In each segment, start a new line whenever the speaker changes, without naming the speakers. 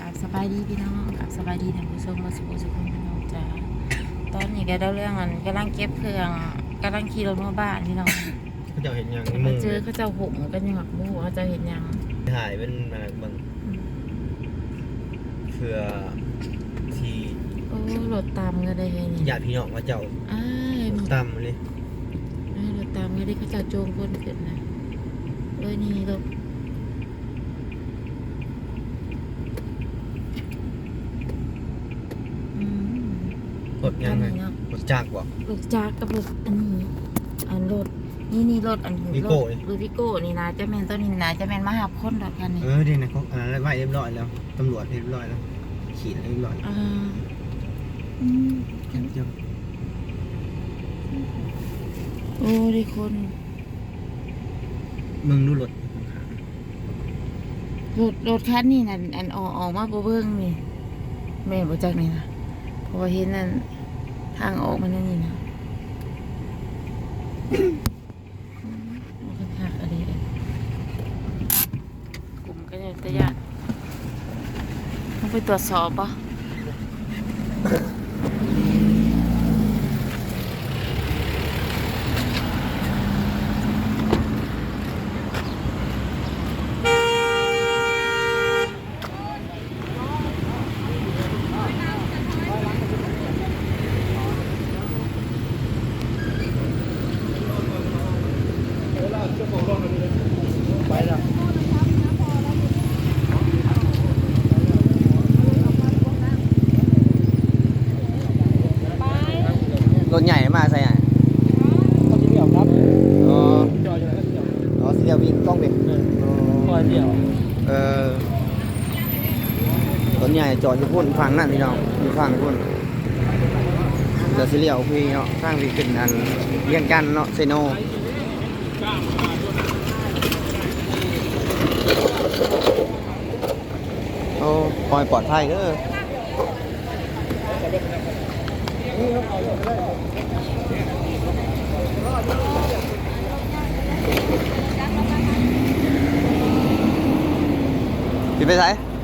กับสบายดีพี่น้องกับสบายดีท่านผู้ชมมาสุขสุขพี่น้องจ้าตอนนี้ก็ได้เรื่องอันกำลังเก็บเครื่องกำลังขี่รถมาบ้านพี่น้อง
เขาจะเห็นอย่าง
มาเจอเขาเจ้าหงกันยังหมักมูเขาจะเห็นยัง
ถ่ายเป็นอะไรบ้างเพื่อที่
โอ้รถตามก็ได้เลยนี่
ญาติพี่น้องเขาเจ้า
อ้าย
ตามเลย
รถตามก็ได้เขาเจ้าโจงคนขึ้นนะเลยนี่รถ
รถยังไงรถจากบ่
รถจักรกับรถอันนี้อันรถนี่รถอัน
วิโก้
รถวิโก้นี่นะจะแม่นตัวนี้นะจะแม่นมาหาคนดอกกันนี่
ดีนะเขาอะไรไว้เรียบร้อยแล้วตำรวจเรียบร้อยแล้วขี่เรียบร้อย กันเจ้า
โอ้ได้คน
มึงดูรถ
รถคันนี่นะอันออกมาบ่เบิ่งนี่แม่บ่จักนี่นะเพราะว่าเห็นนั่นทางออกมันนั่นนี่นะโอ้คักๆอะไรกลุ่มก็จะตะยานต้องไปตรวจสอบปะ
ไปแล้ว รถใหญ่มาใส่ไหน
เขาจะเดี่ยวครับ
อ๋อ
จอดอยู่แล้วก็เดี่ยว
อ๋อเสียวิ่งต้องเป็น
คอยเดี่ยว
รถใหญ่จอดอยู่พุ่นฝั่งนั่นพี่น้องอยู่ฝั่งพุ่นเดี๋ยวสิเลี้ยวพี่เนาะข้างพี่ขึ้นอันเรียงกันเนาะเซโนโอ้ปล่อยปลอดภัยเด้อพี่ไปไหน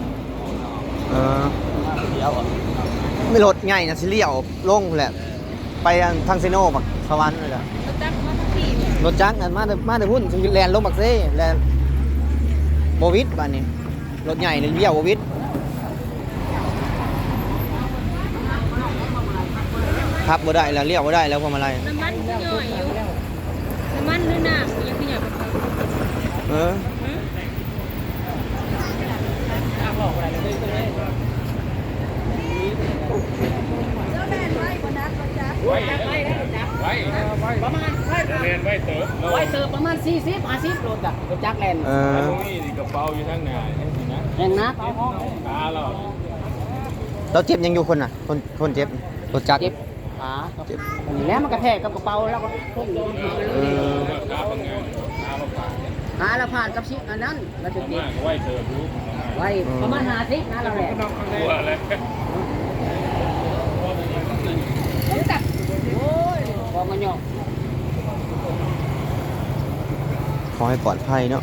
ไม่รถใหญ่นะสิเลี้ยวลงแหละไปทางเซโนบักสวรรค์เลยจ้ะรถจักรนั่นมาแต่พุ่นสิแลนลงบักเซ่แลนโบวิดบ้านนี้รถใหญ่เลยเลี้ยวโบวิดขับบ่ได้แล้วเลี้ยวบ่ได้แล้วพวงมาลัย
น้ำมันก็ย่อยอยู่น้ำมันหรือน้ำยังขยับไป
เออ
ประมาณเรียนไว้เติบไว้เติบประมาณ40-50โลจ้ะรถจักรแลน
เออ
นี่กระเป๋าอยู่ข้างหน้านี่นะ
แรงนัก
ขาเรา
เราเจ็บยังอยู่คนน่ะคนเจ็บรถจักร
เจ็บขาอันนี้แล้วมันกระแทกกับกระเป๋าแล้วก็พุ่งลงมาเลย
ขาบางงานขาบางขา
หาแล้วผ่านกับชิอันนั้นเราจะเจ็บ
มากไว้เธอรู้
ไว้ประมาณ50นะเราแหละ
ตัวอะไร
โอ้ยพอมันยอก
ขอให้ปลอดภัยเนาะ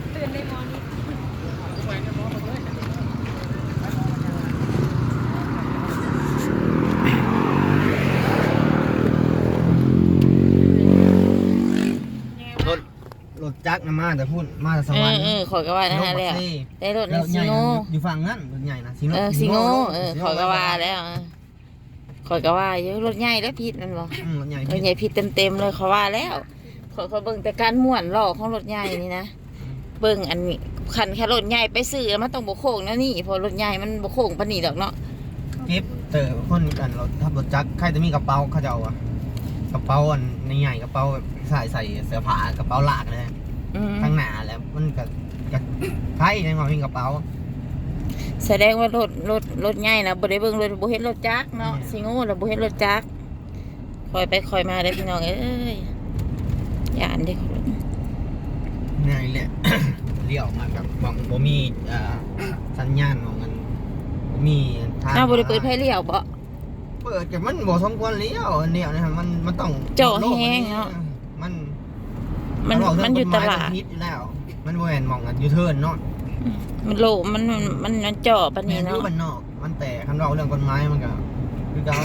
รถจักรนะมาแต่พุ่นมาแต่สวรรค์
ขอยก็ว่านั่นแหละได้รถ
แล้ว
ซิ
ใหญ่
โง่
อยู่ฝั่งนั้นรถใหญ่นะซิโน
ซิโง่ขอยก็ว่าแล้วขอยก็ว่าเยอะรถใหญ่แล้วผิดนั่นบ่
รถใหญ่
รถใหญ่ผิดเต็มเลยเขาว่าแล้วเขาเบิ่งแต่การม่วนหล่อของรถใหญ่นี่นะเบิ่งอันนี้คันแค่รถใหญ่ไปซื้อมันต้องบ่โค้งนะนี่เพราะรถใหญ่มันบ่โค้งปานนี้ดอกเนาะ
เก็บเตอคนกันรถทับรถจักรใครจะมีกระเป๋าเขาจะเอาอะกระเป๋าอันใหญ่กระเป๋าใส่เสื้อผ้ากระเป๋าลากเลยข้างหน้าแล้วมันก็ใครในความมีกระเป๋า
แสดงว่ารถใหญ่นะบ่ได้เบิ่งรถบ่เห็นรถจักรเนาะสิโง่แล้วบ่เห็นรถจักรคอยไปคอยมาเด้อพี่น้องเอ้ยย่านเด้
นี่แหละ เลี้ยวมากับมองบ่มีสัญญาณมองกันบ่มีทาง
อ้าวบ่ได้เปิดไฟเลี้ยวบ่
เปิดแต่มันบ่สมควรเลี้ยวอันเดียวนะครับมันต้อง
เจาะแห้งเนาะ
มัน
มันอยู่ตลาด
พิษอยู่แล้ว มันบ่แม่นมองกันยูเทิร์นเนาะ
มันโลมันเจาะปาน
แม่
นี้
นอยู่
เนาะ
บ้านนอกมันแต่คันเราเรื่องกฎหมายมันก็คือเก่าร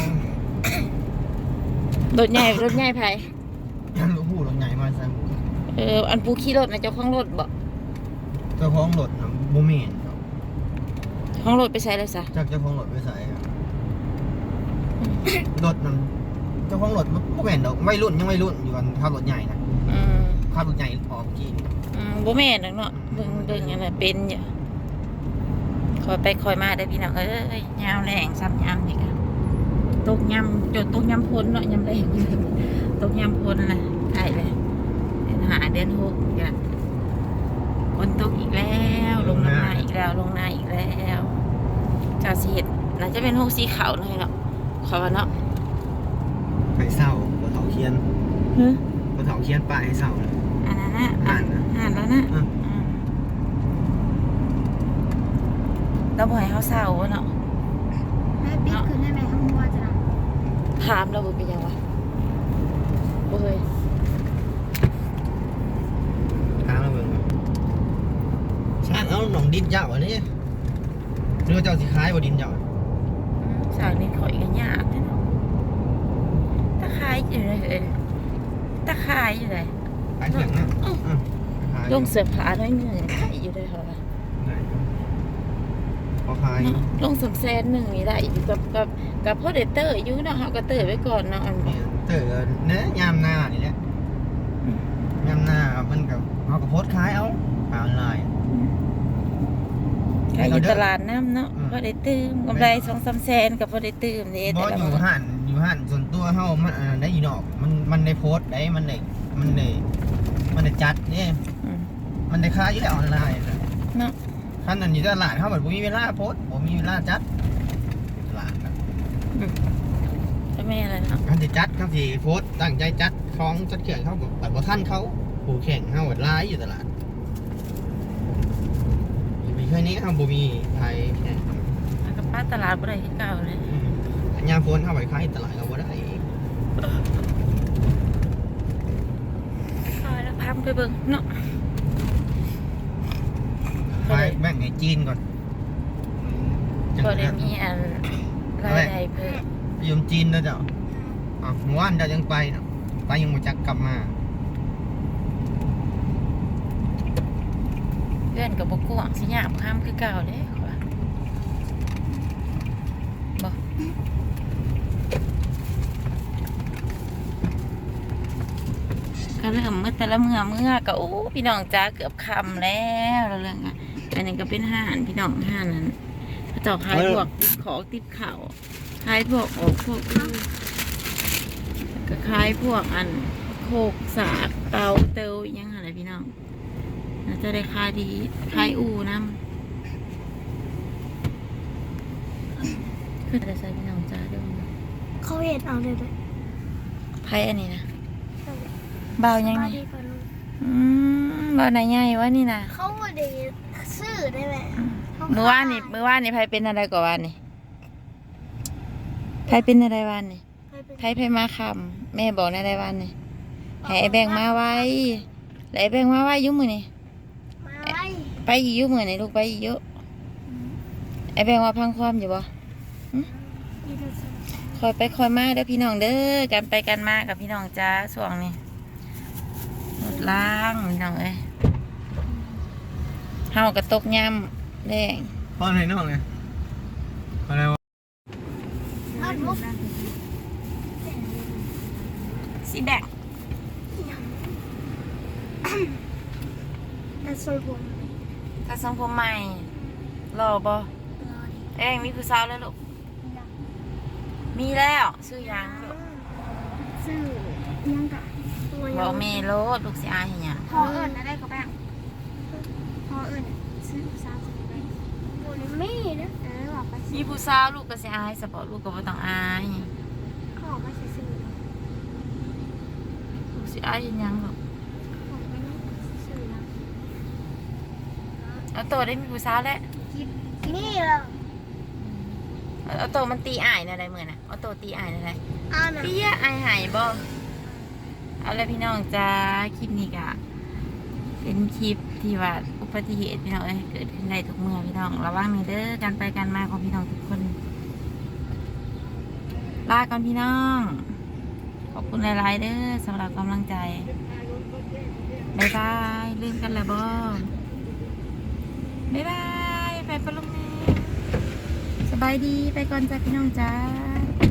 ถใหญ่ไผ
ยังรู้ผู้รถใหญ่มาใส่หมู่
อันผู้ขี่รถนะเจ้าของรถบ่
เจ้าของรถน่ะบ่แม่นครับ
ของรถไปใช้เลยซะ
จักเจ้าของรถไปใส่ครับรถนั้นเจ้าของรถบ่แม่นดอกวัยรุ่นยังวัยรุ่นอยู่กันขับรถใหญ่นะ
อืม
ขับรถใหญ่ออกกี่
บ่แม่นดอกเนาะเบิ่งอันนั้นเป็นอยู่คอยไปคอยมาได้อพี่น้องเอ้ยยาวแรงซ้ำยามนี่ก็ตกยำจนตกยำพ้นเนาะยำแรงตกยำพ้นน่ะใกล้เลยเดือน5เดือน6ก็ฝนตกอีกแล้วลงน้ำหน้าอีกแล้วเจ้าสิเฮ็ดน่าจะเป็น6สีขาวหน่อยเนาะเขาว่าเนาะ
ไปเศร้าบ่เฒ่าเคียน
ฮึ
บ่เฒ่าเคียนป้ายให้เศร้าเลย
อันนั้นนะ
อ่านนะ
อ่านแล้วนะ
อ่ะ
อืมเราบ่ให้เขาเศร้าเนาะ
แม่ปิ๊กคือแม่ข้างมัวจ้ะ
ถามเราบ่เป็นยังวะบ่เคย
ตามมาเบิ่งก่อนชาติเอาหนองดินเจ้าอันนี้หรือว่าเจ้าสิขายบ่ดินเจ้า
สาวนี่ขอยกันยากเนาะตะไคร้อยู่เลยตะไคร้อยู่เลย
ขายเถียงนะขาย
ลงเสื้อผ้าน้อยหนึ่งไข่อยู่เลยเหรอ
ได้อยู่พอขาย
ลงสมแซนหนึ่งนี่ได้อยู่กับพ่อเดเตอร์อยู่เนาะเขาก็เตอร์ไว้ก่อนเนาะอัน
เนี่ยเต๋อเนื้อยามหน้านี่แหละยามหน้ามันกับเอากับโพสต์ขายเอาออนไลน์
ขายอยู่ตลาดน้ำเนาะ
อืม
พ่อได้ตื่มกำไร2-3 แสนกับพ่อได้ตื่มนี่
บ่
แต่ละ
อยู่
วัน
หันส่วนตัวเฮามันได้อีนอกมันได้โพสต์ได้มันได้จัดนี่
อืม
มันได้ขายอยู่แล้วออนไลน์น่ะ
เนาะ
คันนั้นอยู่ตลาดเฮาแบบบ่มีเวลาโพสต์บ่มีเวลาจัดตลาดน่ะ
จะไม่อะไรเนาะ
คันสิจัดคันสิโพสต์ตั้งใจจัดของจัดเครื่องเขาก็ปัดบ่ทันเขาผู้แข่งเฮาก็หลายอยู่ตลาดมีแค่นี้เฮาบ่มีใครแข่ง
แล้วกับป้าตลาดบ่ได้ที่เก่าเลย
ยามฝนเฮาไปขายตลาดก็บ่ได้
คอยแล้วพามไปเบิ่งเนาะ
ขายแบ่งให้จีนก่อนจัง
ก็ได้
นั้น
มีอันรายได้เพิ่ม
ยมจีนแล้วเจ้าเมื่อวานเจ้ายังไปเนาะไปยังบ่จักกลับมา
เพื่อนกับบ่กวางสิยามข้ามคือเก่าเลยว่าบ่ก็เริ่มเมื่อแต่ละเมื่อก็โอ้พี่น้องจ้าเกือบค่ำแล้วเรื่องอ่ะอันนี้ก็เป็นห้านพี่น้องห้านนั้นเขาเจ้าขายพวกติดของติดข้าวขายพวกพวกก็ขายพวกอันโคกสากเตาเตวอิหยังอะไรพี่น้องน่าจะได้ขายดีขายอูน้ำคือจะใส่พี่น้องจ้าด้วย
เขาเห็นเอาเลยเลย
ไพ่อันนี้นะเบายังไง
ดีกว่าลูก
เบาไหนใหญ่วะนี่นะ
เขาไม่ได้ซื้อได้ไหม
เมื่อวานนี่ไพ่เป็นอะไรกว่าวันนี่ไพ่เป็นอะไรวันนี่ไพ่มาคำแม่บอกในอะไรวันนี่ให้ไอ้แบงมาไว้แล้วไอ้แบงมาไว้อยุ่มือนี่
มาไว้
ไปอีกอยุ่มือนี่ลูกไปอีกเยอะไอ้แบงว่าพังความอยู่บ่
ดีที่สุด
คอยไปคอยมาเด้อพี่น้องเด้อกันไปกันมากับพี่น้องจ้าส่วงนี้รถล้างพี่น้องเอ้ยเฮากระตกยำแดง
พ่อไหนน้องเนี่ยอะไรวะ
เอาลูก
สีแดง
แต่สวยผม
กระทรงผมใหม่รอบ่
รอดิ
แดงมีผู้สาวแล้วลูกมีแล้วซื้อยังลูก
ซื้อยังกะตัว
บ
ยั
อก
ง
เมโลดลูกสิอายเห็นยัง
พอเอิญอะไรก็แบ่งพอเอิญซื้อสามสิบเลยตัวนี้ไม่นะออกไป
มีผู้สาวลูกก็สิอายสปอร์ตลูกก็บ่ต้องอาย
เขาออกมาซื้อ
ลูกสิอายเห็นยังลูก
ผมไม่ได้ซื้อนะ
เอาโตได้มีผู้สาวแล้ว
นี่เหรอ
เอาโตมันตีอายนะได้มื้อน่ะเอาโตตีอายนะได้
อ่านอ่ะ
พี่ยอายหายบ่เอาเลยพี่น้องจ้าคลิปนี้กะเป็นคลิปที่ว่าอุบัติเหตุพี่น้องเอ้ยเกิดขึ้นได้ทุกเมื่อพี่น้องระวังในเด้อการไปการมาของพี่น้องทุกคนลาก่อนพี่น้องขอบคุณหลายๆเด้อสำหรับกำลังใจบายบายลืมกันแล้วบ่บายบายไปปะลุงแม่สบายดีไปก่อนจ้าพี่น้องจ้า